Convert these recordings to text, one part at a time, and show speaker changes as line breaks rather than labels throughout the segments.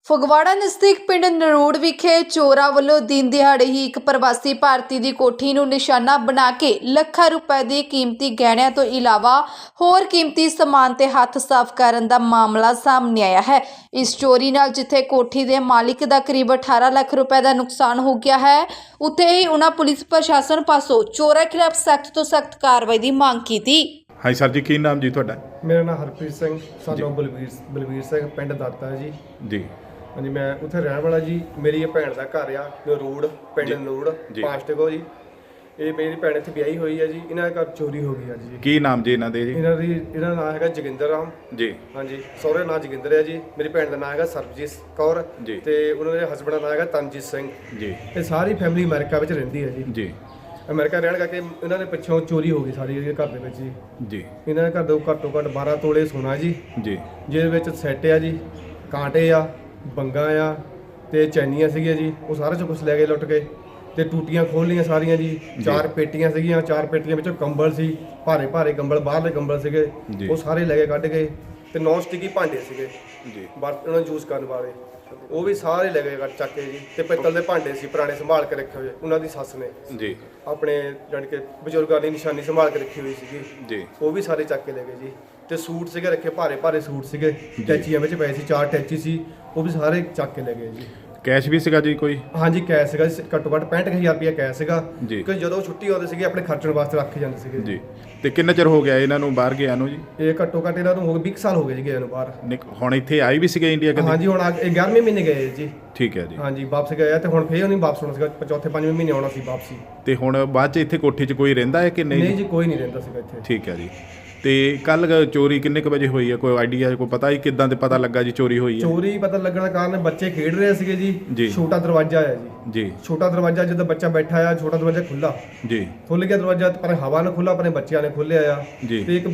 ਫਗਵਾੜਾ ਨਜ਼ਦੀਕ ਪਿੰਡ ਨਰੂੜ ਵਿਖੇ ਚੋਰਾਂ ਵੱਲੋਂ ਦਿਨ ਦਿਹਾੜੇ ਹੀ ਇੱਕ ਪ੍ਰਵਾਸੀ ਭਾਰਤੀ ਦੀ ਕੋਠੀ ਨੂੰ ਨਿਸ਼ਾਨਾ ਬਣਾ ਕੇ ਲੱਖਾਂ ਰੁਪਏ ਦੇ ਕੀਮਤੀ ਗਹਿਣਿਆਂ ਤੋਂ ਇਲਾਵਾ ਹੋਰ ਕੀਮਤੀ ਸਮਾਨ ਤੇ ਹੱਥ ਸਾਫ਼ ਕਰਨ ਦਾ ਮਾਮਲਾ ਸਾਹਮਣੇ ਆਇਆ ਹੈ। ਇਸ ਚੋਰੀ ਨਾਲ ਜਿੱਥੇ ਕੋਠੀ ਦੇ ਮਾਲਿਕ ਦਾ ਕਰੀਬ 18 ਲੱਖ ਰੁਪਏ ਦਾ ਨੁਕਸਾਨ ਹੋ ਗਿਆ ਹੈ, ਉੱਥੇ ਹੀ ਉਹਨਾਂ ਪੁਲਿਸ ਪ੍ਰਸ਼ਾਸਨ ਪਾਸੋਂ ਚੋਰਾਂ ਖਿਲਾਫ ਸਖਤ ਤੋਂ ਸਖਤ ਕਾਰਵਾਈ ਦੀ ਮੰਗ ਕੀਤੀ।
हाँ सर जी, की नाम जी थोड़ा?
मेरा नाम हरप्रीत सिंह सानों बलवीर सिंह पिंड दाता जी।
जी
हाँ जी, मैं उत्थे रहने वाला जी। मेरी ये भैन का घर आ नरूड़, पिंड नरूड़ पांचटको जी। ये मेरी भैन इत्थे ब्याही हुई है जी। इन्हां घर चोरी हो गई है जी।
की नाम जी इन्हां दे जी?
इन्हां दा नाम है जोगिंदर राम
जी।
हाँ जी, सहुरे नाम जोगिंदर है जी। मेरी भैन का नाम है सरबजीत कौर
जी
ते उन्हां दे हसबैंड का नाम है तनजीत सिंह
जी।
ये सारी फैमिली अमेरिका विच रहिंदी है जी।
जी
अमेरिका रहने करके इन्होंने पिछों चोरी हो गई सारी घर दे विच जी।
जी
इन्होंने घर दो घट्टो घट्ट 12 ਤੋਲੇ सोना जी, ਜਿਹਦੇ ਵਿੱਚ ਸੈੱਟ ਆ ਜੀ, ਕਾਂਟੇ ਆ, ਬੰਗਾ ਆ ਤੇ ਚੈਨੀਆਂ ਸੀਗੀਆਂ ਜੀ। ਉਹ ਸਾਰਾ ਚ ਕੁਝ ਲੈ ਗਏ ਲੁੱਟ ਕੇ ਤੇ ਟੂਟੀਆਂ ਖੋਲ ਲਈਆਂ ਸਾਰੀਆਂ ਜੀ। 4 ਪੇਟੀਆਂ ਸੀਗੀਆਂ, 4 ਪੇਟੀਆਂ ਵਿੱਚੋਂ ਕੰਬਲ ਸੀ, ਭਾਰੇ ਭਾਰੇ ਕੰਬਲ, ਬਾਹਰਲੇ ਕੰਬਲ ਸੀਗੇ, ਉਹ ਸਾਰੇ ਲੈ ਕੇ ਕੱਢ ਗਏ। ਤੇ ਨੌਨ ਸਟਿਕੀ ਭਾਂਡੇ ਸੀਗੇ ਜੀ, ਬਰਤਨ ਉਹਨਾਂ ਯੂਜ਼ ਕਰਨ ਵਾਲੇ, ਉਹ ਵੀ ਸਾਰੇ ਲੈ ਗਏ ਚੱਕ ਕੇ ਜੀ। ਤੇ ਪਿੱਤਲ ਦੇ ਭਾਂਡੇ ਸੀ ਪੁਰਾਣੇ ਸੰਭਾਲ ਕੇ ਰੱਖੇ ਹੋਏ ਉਹਨਾਂ ਦੀ ਸੱਸ ਨੇ
ਜੀ,
ਆਪਣੇ ਜਾਣੀ ਕਿ ਬਜ਼ੁਰਗਾਂ ਦੀ ਨਿਸ਼ਾਨੀ ਸੰਭਾਲ ਕੇ ਰੱਖੀ ਹੋਈ ਸੀਗੀ
ਜੀ। ਉਹ
ਵੀ ਸਾਰੇ ਚੱਕ ਕੇ ਲੈ ਗਏ ਜੀ। ਤੇ ਸੂਟ ਸੀਗੇ ਰੱਖੇ, ਭਾਰੇ ਭਾਰੇ ਸੂਟ ਸੀਗੇ, ਟੈਚੀਆਂ ਵਿੱਚ ਪਏ ਸੀ, 4 ਟੈਚੀ ਸੀ, ਉਹ ਵੀ ਸਾਰੇ ਚੱਕ ਕੇ ਲੈ ਗਏ ਜੀ।
कैश भी सीगा जी कोई? हाँ
जी, कैश ਸੀਗਾ ਘੱਟੋ ਘੱਟ 65,000 ਰੁਪਇਆ कैश ਸੀਗਾ
ਜੀ।
ਕਿ ਜਦੋਂ ਛੁੱਟੀ ਆਉਂਦੇ ਸੀਗੇ ਆਪਣੇ ਖਰਚਣ ਵਾਸਤੇ ਰੱਖ ਜਾਂਦੇ ਸੀਗੇ
ਜੀ। ਤੇ ਕਿੰਨਾ ਚਿਰ ਹੋ ਗਿਆ ਇਹਨਾਂ ਨੂੰ ਬਾਹਰ ਗਿਆ ਨੂੰ ਜੀ?
ਇਹ ਘੱਟੋ ਘੱਟ ਇਹਨਾਂ ਨੂੰ ਹੋ ਗਏ 20 ਸਾਲ ਹੋ ਗਏ ਜੀ ਗਏ ਨੂੰ ਬਾਹਰ।
ਹੁਣ ਇੱਥੇ ਆਈ ਵੀ ਸੀਗੇ ਇੰਡੀਆ ਕਦੇ?
ਹਾਂਜੀ, ਹੁਣ 11ਵੇਂ ਮਹੀਨੇ ਗਏ ਜੀ।
ਠੀਕ ਹੈ ਜੀ।
ਹਾਂਜੀ, ਵਾਪਸ ਗਏ ਆ ਤੇ ਹੁਣ ਫੇਰ ਨਹੀਂ ਵਾਪਸ ਹੋਣਾ ਸੀਗਾ, ਚੌਥੇ 5ਵੇਂ ਮਹੀਨੇ ਆਉਣਾ ਸੀ ਵਾਪਸੀ।
ਤੇ ਹੁਣ ਬਾਅਦ ਚ ਇੱਥੇ ਕੋਠੀ 'ਚ ਕੋਈ ਰਹਿੰਦਾ ਹੈ ਕਿ ਨਹੀਂ?
ਨਹੀਂ ਜੀ, ਕੋਈ ਨਹੀਂ ਰਹਿੰਦਾ ਸੀਗਾ ਇੱਥੇ।
ਠੀਕ ਹੈ ਜੀ। ਤੇ ਕੱਲ ਚੋਰੀ ਕਿੰਨੇ ਕੁ ਵਜੇ ਹੋਈ ਹੈ, ਕੋਈ ਆਈਡੀਆ, ਕੋਈ ਪਤਾ ਹੀ ਕਿੱਦਾਂ ਤੇ ਪਤਾ ਲੱਗਾ ਜੀ ਚੋਰੀ ਹੋਈ ਹੈ?
ਚੋਰੀ ਪਤਾ ਲੱਗਣ ਦਾ ਕਾਰਨ ਬੱਚੇ ਖੇਡ ਰਹੇ ਸੀਗੇ ਜੀ। ਛੋਟਾ ਦਰਵਾਜ਼ਾ ਹੈ
ਜੀ।
ਛੋਟਾ ਦਰਵਾਜ਼ਾ, ਜਦੋਂ ਬੱਚਾ ਬੈਠਾ ਆ, ਛੋਟਾ ਦਰਵਾਜ਼ਾ ਖੁੱਲਾ
ਜੀ,
ਖੁੱਲ ਗਿਆ ਦਰਵਾਜ਼ਾ, ਪਰ ਹਵਾ ਨਾਲ ਖੁੱਲਾ, ਆਪਣੇ ਬੱਚਿਆਂ ਨੇ ਖੋਲ੍ਹਿਆ ਆ। ਤੇ ਇੱਕ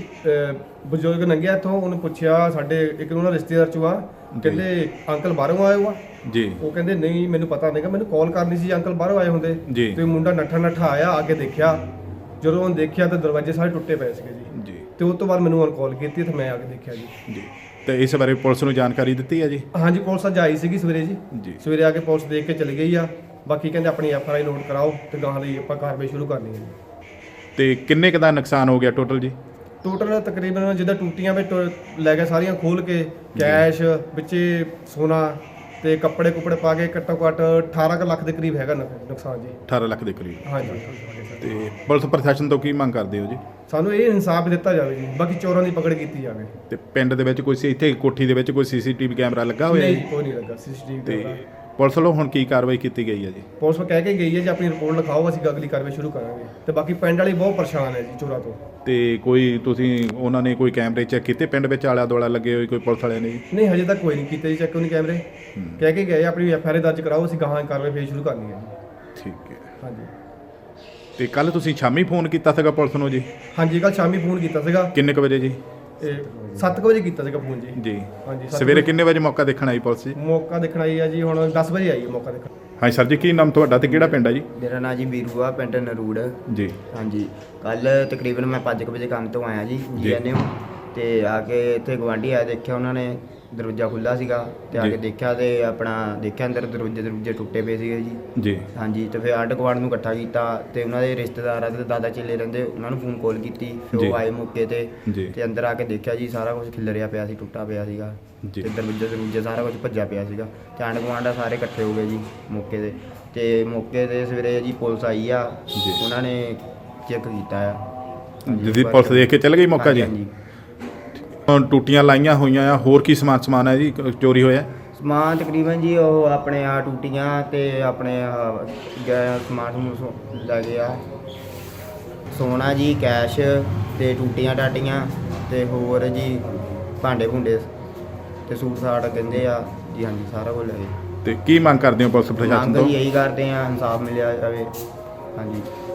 ਬਜ਼ੁਰਗ ਲੰਘਿਆ ਇੱਥੋਂ, ਉਹਨੂੰ ਪੁੱਛਿਆ, ਸਾਡੇ ਇੱਕ ਉਹਨਾਂ ਰਿਸ਼ਤੇਦਾਰ ਚੋਂ ਆ, ਕਹਿੰਦੇ ਅੰਕਲ ਬਾਹਰੋਂ ਆਏ ਹੋ ਆ
ਜੀ? ਉਹ
ਕਹਿੰਦੇ ਨਹੀਂ, ਮੈਨੂੰ ਪਤਾ ਨਹੀਂਗਾ, ਮੈਨੂੰ ਕਾਲ ਕਰਨੀ ਸੀ, ਅੰਕਲ ਬਾਹਰੋਂ ਆਏ ਹੁੰਦੇ। ਤੇ ਮੁੰਡਾ ਨੱਠਾ ਆਇਆ, ਆ ਕੇ ਦੇਖਿਆ, ਜਦੋਂ ਉਹਨੇ ਦੇਖਿਆ ਤਾਂ ਦਰਵਾਜ਼ੇ ਸਾਰੇ ਟੁੱਟੇ ਪਏ ਸੀਗੇ ਜੀ। ਤੇ ਉਸ ਤੋਂ ਬਾਅਦ ਮੈਨੂੰ ਕਾਲ ਕੀਤੀ ਤੇ ਮੈਂ ਆ ਕੇ ਦੇਖਿਆ ਜੀ।
ਤੇ ਇਸ ਬਾਰੇ ਪੁਲਿਸ ਨੂੰ ਜਾਣਕਾਰੀ ਦਿੱਤੀ ਹੈ ਜੀ?
ਹਾਂਜੀ, ਪੁਲਿਸ ਅੱਜ ਆਈ ਸੀਗੀ ਸਵੇਰੇ ਜੀ। ਸਵੇਰੇ ਆ ਕੇ ਪੁਲਿਸ ਦੇਖ ਕੇ ਚਲੀ ਗਈ ਆ। ਬਾਕੀ ਕਹਿੰਦੇ ਆਪਣੀ FIR ਨੋਟ ਕਰਾਓ ਤੇ ਗਾਹਾਂ ਲਈ ਆਪਾਂ ਕਾਰਵਾਈ ਸ਼ੁਰੂ ਕਰਨੀ ਹੈ ਜੀ।
ਤੇ ਕਿੰਨੇ ਕੁ ਦਾ ਨੁਕਸਾਨ ਹੋ ਗਿਆ ਟੋਟਲ ਜੀ?
ਟੋਟਲ ਤਕਰੀਬਨ ਜਿੱਦਾਂ ਟੂਟੀਆਂ ਵਿੱਚ ਲੈ ਕੇ ਸਾਰੀਆਂ ਖੋਲ ਕੇ, ਕੈਸ਼ ਵਿੱਚੇ, ਸੋਨਾ ਤੇ ਕੱਪੜੇ ਕੁਪੜੇ ਪਾ ਕੇ ਘੱਟੋ ਘੱਟ 18 ਲੱਖ ਦੇ ਕਰੀਬ ਹੈਗਾ ਨੁਕਸਾਨ ਜੀ। 18
ਲੱਖ ਦੇ ਕਰੀਬ?
ਹਾਂਜੀ।
ਤੇ ਪੁਲਿਸ ਪ੍ਰਸ਼ਾਸਨ ਤੋਂ ਕੀ ਮੰਗ ਕਰਦੇ ਹੋ ਜੀ?
ਸਾਨੂੰ ਇਹ ਇਨਸਾਫ ਦਿੱਤਾ ਜਾਵੇ ਜੀ, ਬਾਕੀ ਚੋਰਾਂ ਦੀ ਪਕੜ ਕੀਤੀ ਜਾਵੇ।
ਤੇ ਪਿੰਡ ਦੇ ਵਿੱਚ ਕੋਈ ਇੱਥੇ ਕੋਠੀ ਦੇ ਵਿੱਚ ਕੋਈ CCTV ਕੈਮਰਾ ਲੱਗਾ ਹੋਇਆ?
ਨਹੀਂ, ਕੋਈ ਨਹੀਂ ਲੱਗਾ CCTV ਕੈਮਰਾ।
ਪੁਲਿਸ ਵੱਲੋਂ ਹੁਣ ਕੀ ਕਾਰਵਾਈ ਕੀਤੀ ਗਈ ਹੈ ਜੀ?
ਪੁਲਿਸ ਕਹਿ ਕੇ ਗਈ ਹੈ ਜੀ ਆਪਣੀ ਰਿਪੋਰਟ ਲਿਖਾਓ, ਅਸੀਂ ਅਗਲੀ ਕਾਰਵਾਈ ਸ਼ੁਰੂ ਕਰਾਂਗੇ। ਤੇ ਬਾਕੀ ਪਿੰਡ ਵਾਲੀ ਬਹੁਤ ਪਰੇਸ਼ਾਨ ਹੈ ਜੀ ਚੋਰਾਂ ਤੋਂ।
ਤੇ ਕੋਈ ਤੁਸੀਂ ਉਹਨਾਂ ਨੇ ਕੋਈ ਕੈਮਰੇ ਚੈੱਕ ਕੀਤੇ ਪਿੰਡ ਵਿੱਚ ਆਲਾ ਦੁਆਲਾ ਲੱਗੇ ਹੋਏ ਕੋਈ ਪੁਲਿਸ ਵਾਲਿਆਂ ਨੇ?
ਨਹੀਂ, ਹਜੇ ਤੱਕ ਕੋਈ ਨਹੀਂ ਕੀਤੇ ਜੀ ਚੈੱਕ, ਉਹਨੇ ਕੈਮਰੇ ਕਹਿ ਕੇ ਗਏ ਆਪਣੀ FIR ਦਰਜ ਕਰਾਓ, ਅਸੀਂ ਗਾਹਾਂ ਕਾਰਵਾਈ ਫੇਰ ਸ਼ੁਰੂ ਕਰਨੀ ਹੈ ਜੀ।
ਠੀਕ ਹੈ।
ਹਾਂਜੀ।
ਤੇ ਕੱਲ ਤੁਸੀਂ ਸ਼ਾਮੀ ਫੋਨ ਕੀਤਾ ਸੀਗਾ ਪੁਲਿਸ ਨੂੰ ਜੀ?
ਹਾਂਜੀ, ਕੱਲ ਸ਼ਾਮੀ ਫੋਨ ਕੀਤਾ ਸੀਗਾ।
ਕਿੰਨੇ ਕੁ ਵਜੇ ਜੀ?
7 ਵਜੇ ਕੀਤਾ ਸੀਗਾ ਫੋਨ ਜੀ।
ਜੀ।
ਹਾਂਜੀ।
ਸਵੇਰੇ ਕਿੰਨੇ ਵਜੇ ਮੌਕਾ ਦੇਖਣ ਆਈ ਪੁਲਿਸ ਜੀ?
ਮੌਕਾ ਦੇਖਣ ਆਈ ਆ ਜੀ, ਹੁਣ 10 ਵਜੇ ਆਈ ਹੈ ਮੌਕਾ ਦੇਖਣ।
ਹਾਂਜੀ ਸਰ ਜੀ, ਕੀ ਨਾਮ ਤੁਹਾਡਾ ਤੇ ਕਿਹੜਾ ਪਿੰਡ ਹੈ ਜੀ?
ਮੇਰਾ ਨਾਮ ਜੀ ਵੀਰੂ ਆ, ਪਿੰਡ ਨਰੂੜ
ਜੀ।
ਹਾਂਜੀ, ਕੱਲ ਤਕਰੀਬਨ ਮੈਂ 5 ਵਜੇ ਕੰਮ ਤੋਂ ਆਇਆ ਜੀ GNM ਤੇ ਆ ਕੇ ਇੱਥੇ ਗਵਾਂਢੀ ਆਇਆ, ਦੇਖਿਆ ਉਹਨਾਂ ਨੇ ਦਰਵਾਜ਼ਾ ਖੁੱਲ੍ਹਾ ਸੀਗਾ ਤੇ ਆ ਕੇ ਦੇਖਿਆ ਤੇ ਆਪਣਾ ਦੇਖਿਆ ਅੰਦਰ ਦਰਵਾਜ਼ੇ ਟੁੱਟੇ ਪਏ ਸੀਗੇ ਜੀ। ਹਾਂਜੀ। ਤੇ ਫਿਰ ਆਂਢ ਗੁਆਂਢ ਨੂੰ ਇਕੱਠਾ ਕੀਤਾ ਤੇ ਉਹਨਾਂ ਦੇ ਰਿਸ਼ਤੇਦਾਰਾਂ ਤੇ ਦਾਦਾ ਚੇਲੇ ਰਹਿੰਦੇ, ਉਹਨਾਂ ਨੂੰ ਫੋਨ ਕਾਲ ਕੀਤੀ, ਫਿਰ ਉਹ ਆਏ ਮੌਕੇ ਤੇ ਅੰਦਰ ਆ ਕੇ ਦੇਖਿਆ ਜੀ ਸਾਰਾ ਕੁਝ ਖਿਲਰਿਆ ਪਿਆ ਸੀ, ਟੁੱਟਾ ਪਿਆ ਸੀਗਾ ਤੇ ਦਰਵਾਜ਼ੇ ਸਾਰਾ ਕੁਝ ਭੱਜਿਆ ਪਿਆ ਸੀਗਾ। ਤੇ ਆਂਢ ਗੁਆਂਢ ਸਾਰੇ ਇਕੱਠੇ ਹੋ ਗਏ ਜੀ ਮੌਕੇ ਤੇ ਮੌਕੇ ਤੇ ਸਵੇਰੇ ਜੀ ਪੁਲਿਸ ਆਈ ਆ, ਉਹਨਾਂ ਨੇ ਚੈੱਕ ਕੀਤਾ ਆ।
ਜਿਹਦੀ ਪੁਲਿਸ ਦੇਖ ਕੇ ਚੱਲ ਗਈ ਮੌਕਾ ਜੀ? ਹੁਣ ਟੂਟੀਆਂ ਲਾਈਆਂ ਹੋਈਆਂ ਆ, ਹੋਰ ਕੀ ਸਮਾਨ ਹੈ ਜੀ ਚੋਰੀ ਹੋਇਆ?
ਸਮਾਨ ਤਕਰੀਬਨ ਜੀ ਉਹ ਆਪਣੇ ਆ ਟੂਟੀਆਂ ਤੇ ਆਪਣੇ ਸਮਾਨ ਲੈ ਗਏ ਆ, ਸੋਨਾ ਜੀ, ਕੈਸ਼ ਤੇ ਟੂਟੀਆਂ ਟਾਟੀਆਂ ਤੇ ਹੋਰ ਜੀ ਭਾਂਡੇ ਭੁੰਡੇ ਤੇ ਸੂਟ ਸਾਟ ਕਹਿੰਦੇ ਆ ਜੀ। ਹਾਂਜੀ, ਸਾਰਾ ਕੁਝ ਲੈ ਗਏ।
ਤੇ ਕੀ ਮੰਗ ਕਰਦੇ ਹੋ ਪੁਲਿਸ ਪ੍ਰਸ਼ਾਸਨ ਤੋਂ?
ਮੰਗ ਇਹੀ ਕਰਦੇ ਆ, ਇਨਸਾਫ ਮਿਲਿਆ ਜਾਵੇ। ਹਾਂਜੀ।